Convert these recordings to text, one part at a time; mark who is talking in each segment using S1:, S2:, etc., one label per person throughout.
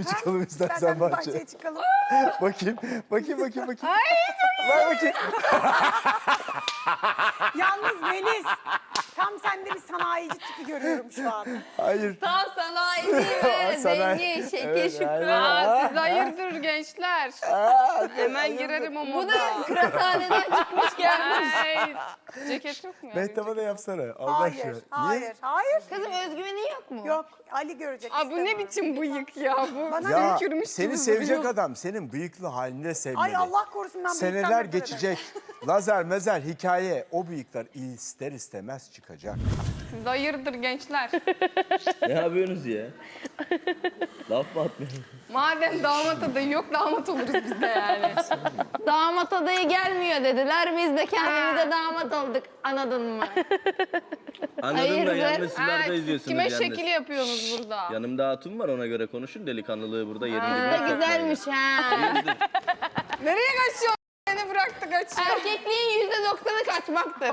S1: çıkalım istersen bahçeye.
S2: bahçeye çıkalım.
S1: Bakayım.
S2: Ay,
S1: Ver bakayım.
S2: Yalnız Melis, tam sende bir sanayici tipi görüyorum şu an.
S1: Hayır.
S3: Tam sanayi ve
S1: Sanayi.
S3: zengin, şekil
S1: Evet,
S3: şükür.
S1: aynen.
S4: Siz hayırdır gençler. Hemen girerim o
S3: Bu
S4: moda.
S3: da kıraathaneden çıkmış gelmiş.
S4: Ay, ceket yok mu ya?
S1: Mehtap'a da yapsana. Allah
S2: Hayır,
S1: aşkına.
S2: hayır, hayır.
S3: Kızım özgüveni yok mu?
S2: Yok, Ali görecek.
S4: Aa, bu ne
S2: istemem.
S4: biçim bıyık ya bu?
S2: Bana
S1: Ya
S4: Tükürmüş
S1: seni
S4: gibi
S1: sevecek
S4: duruyor.
S1: adam senin bıyıklı halinde sevmeli.
S2: Ay Allah korusun ben
S1: Seneler
S2: bıyıktan nefret ederim.
S1: geçecek. Lazer mezer hikaye o bıyıklar ister istemez çıkacak.
S4: Siz hayırdır gençler.
S5: Ne yapıyorsunuz ya? Laf mı atmıyorsun?
S4: Madem damat adayı yok damat oluruz biz de yani.
S3: Damat adayı gelmiyor dediler. Biz de kendimize damat olduk. Anladın mı?
S5: Anladım da
S3: Hayırdır?
S5: yanlış sularda
S4: Ha, siz
S5: izliyorsunuz
S4: kime
S5: yalnız.
S4: şekil yapıyorsunuz burada?
S5: Yanımda hatun var ona göre konuşun. Delikanlılığı burada yerinde
S3: Kız
S5: bir
S3: da güzelmiş ha.
S4: Nereye kaçıyorsun? Beni bıraktı kaçıyor.
S3: Erkekliğin %90'ı kaçmaktır.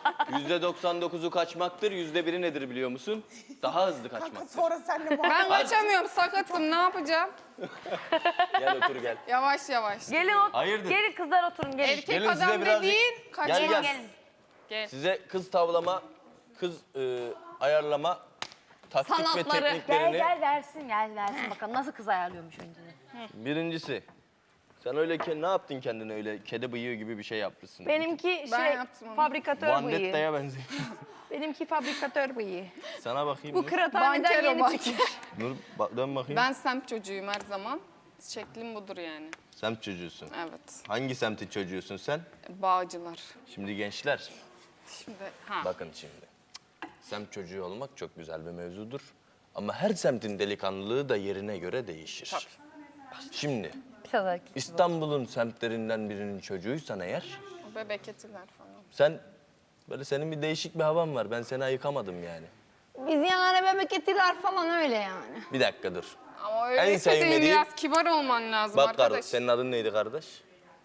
S5: %99'u kaçmaktır. %1'i nedir biliyor musun? Daha hızlı kaçmaktır.
S2: Sonra seninle muhabbet.
S4: Ben kaçamıyorum sakatım ne yapacağım?
S5: Gel otur gel.
S4: Yavaş yavaş.
S6: Gelin
S5: Hayırdır?
S6: gelin kızlar oturun gelin.
S4: Erkek
S5: Gelin size
S4: adam
S5: birazcık-
S4: dediğin
S5: Gel
S4: kaçmaz.
S5: gel.
S4: Gel.
S5: Size kız tavlama, kız ayarlama, taktik
S3: Sanatları.
S5: ve
S6: Gel
S5: tekniklerini...
S6: gel versin bakalım nasıl kız ayarlıyormuş önceden.
S5: Birincisi, sen öyle ne yaptın kendine öyle kedi bıyığı gibi bir şey yapmışsın.
S6: Benimki
S4: Ben
S6: şey
S4: yaptım onu.
S6: fabrikatör bıyığı.
S5: Vandetta'ya benziyor.
S6: Benimki fabrikatör bıyığı.
S5: Sana bakayım.
S6: Bu
S5: Nur.
S6: kıraathaneden
S4: Banker o
S6: yeni
S4: banker.
S6: çıkmış.
S5: Nur dön bakayım.
S4: Ben semt çocuğuyum her zaman. Şeklim budur yani.
S5: Semt çocuğusun.
S4: Evet.
S5: Hangi semtin çocuğusun sen?
S4: Bağcılar.
S5: Şimdi gençler,
S4: Şimdi ha.
S5: bakın şimdi. Semt çocuğu olmak çok güzel bir mevzudur. Ama her semtin delikanlılığı da yerine göre değişir. Şimdi İstanbul'un semtlerinden birinin çocuğuysan eğer,
S4: Bebek etiler falan.
S5: senin bir değişik bir havan var. Ben seni ayıkamadım yani.
S3: Biz yani bebek etiler falan öyle yani.
S5: Bir dakika dur.
S4: Ama
S5: En
S4: öyle senin
S5: sevmediğim-
S4: biraz kibar olman lazım
S5: Bak
S4: arkadaş.
S5: kardeş, senin adın neydi kardeş?